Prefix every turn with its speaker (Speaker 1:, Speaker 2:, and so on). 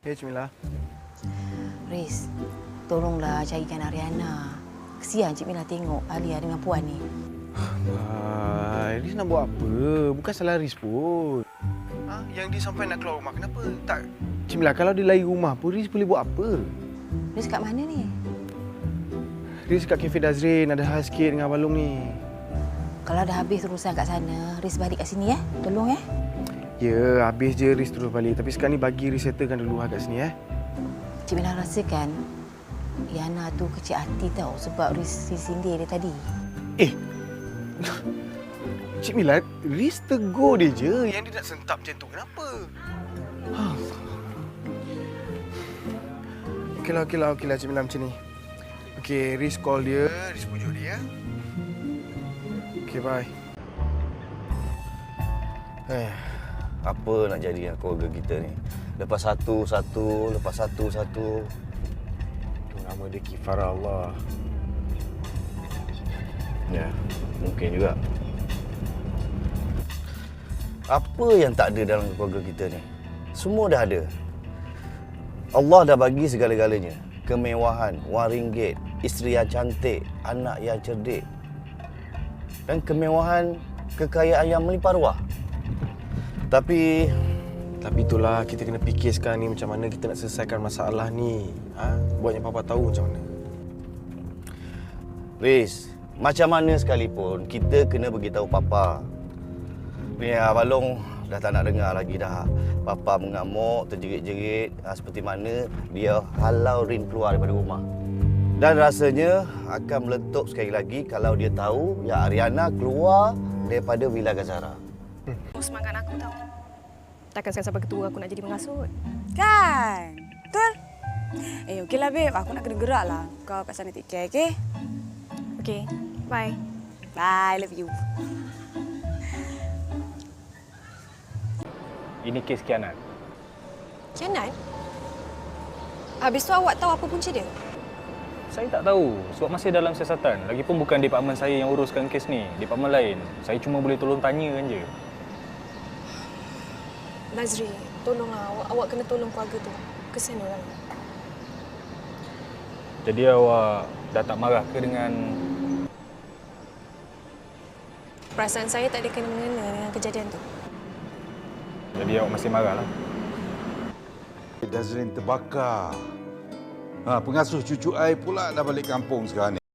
Speaker 1: Ya, Cik Mila.
Speaker 2: Riz, tolonglah carikan Ariana. Kesian Cik Mila tengok Alia dengan Puan ni.
Speaker 1: Riz nak buat apa? Bukan salah Riz pun. Yang dia sampai nak keluar rumah, kenapa tak? Cik Mila, kalau dia lari rumah pun, Riz boleh buat apa?
Speaker 2: Riz kat mana ni?
Speaker 1: Riz kat Cafe Dazrin, ada hal sikit dengan Abang Long ni.
Speaker 2: Kalau dah habis urusan kat sana, Riz balik kat sini Tolong
Speaker 1: Ya, habis je Riz terus balik. Tapi sekarang ni bagi Riz settlekan dulu kat sini
Speaker 2: Cik Mila rasakan Yana tu kecil hati tau sebab Riz sindir dia tadi.
Speaker 1: Cik Mila, Riz tegur dia je. Yang dia nak sentap macam tu, kenapa? Okeylah Cik Mila macam ni. Okey, Riz call dia, Riz pujuk dia Okey, bye.
Speaker 3: Apa nak jadi dengan keluarga kita ni? Lepas satu, lepas satu.
Speaker 1: Itu nama dia Kifarah Allah.
Speaker 3: Ya, mungkin juga. Apa yang tak ada dalam keluarga kita ni? Semua dah ada. Allah dah bagi segala-galanya. Kemewahan, wang ringgit, isteri yang cantik, anak yang cerdik. Dan kemewahan, kekayaan yang melimpah ruah. Tapi
Speaker 1: itulah kita kena fikir sekarang ni macam mana kita nak selesaikan masalah ni. Buat yang Papa tahu macam mana.
Speaker 3: Riz, macam mana sekalipun kita kena beritahu Papa. Ni Abang Long dah tak nak dengar lagi dah. Papa mengamuk, terjerit-jerit seperti mana dia halau Rin keluar daripada rumah. Dan rasanya akan meletup sekali lagi kalau dia tahu yang Ariana keluar daripada Villa Gazara.
Speaker 4: Semangat aku tahu. Takkan sampai ketua aku nak jadi mengasut.
Speaker 5: Kan? Betul? Okeylah babe, aku nak kena gerak lah. Kau kat sana take care, okey?
Speaker 4: Okey, bye.
Speaker 5: Bye, love you.
Speaker 6: Ini kes khianat.
Speaker 4: Khianat? Habis tu awak tahu apa punca dia?
Speaker 6: Saya tak tahu sebab masih dalam siasatan. Lagipun bukan departmen saya yang uruskan kes ni. Departmen lain. Saya cuma boleh tolong tanya je.
Speaker 4: Nazri, tolonglah. Awak kena tolong keluarga tu. Kesian orang.
Speaker 6: Jadi awak dah tak marah ke dengan...
Speaker 4: Perasaan saya tak ada kena-mengena dengan kejadian tu.
Speaker 6: Jadi awak masih marah lah.
Speaker 7: Dazrin terbakar. Pengasuh cucu ai pula dah balik kampung sekarang ni.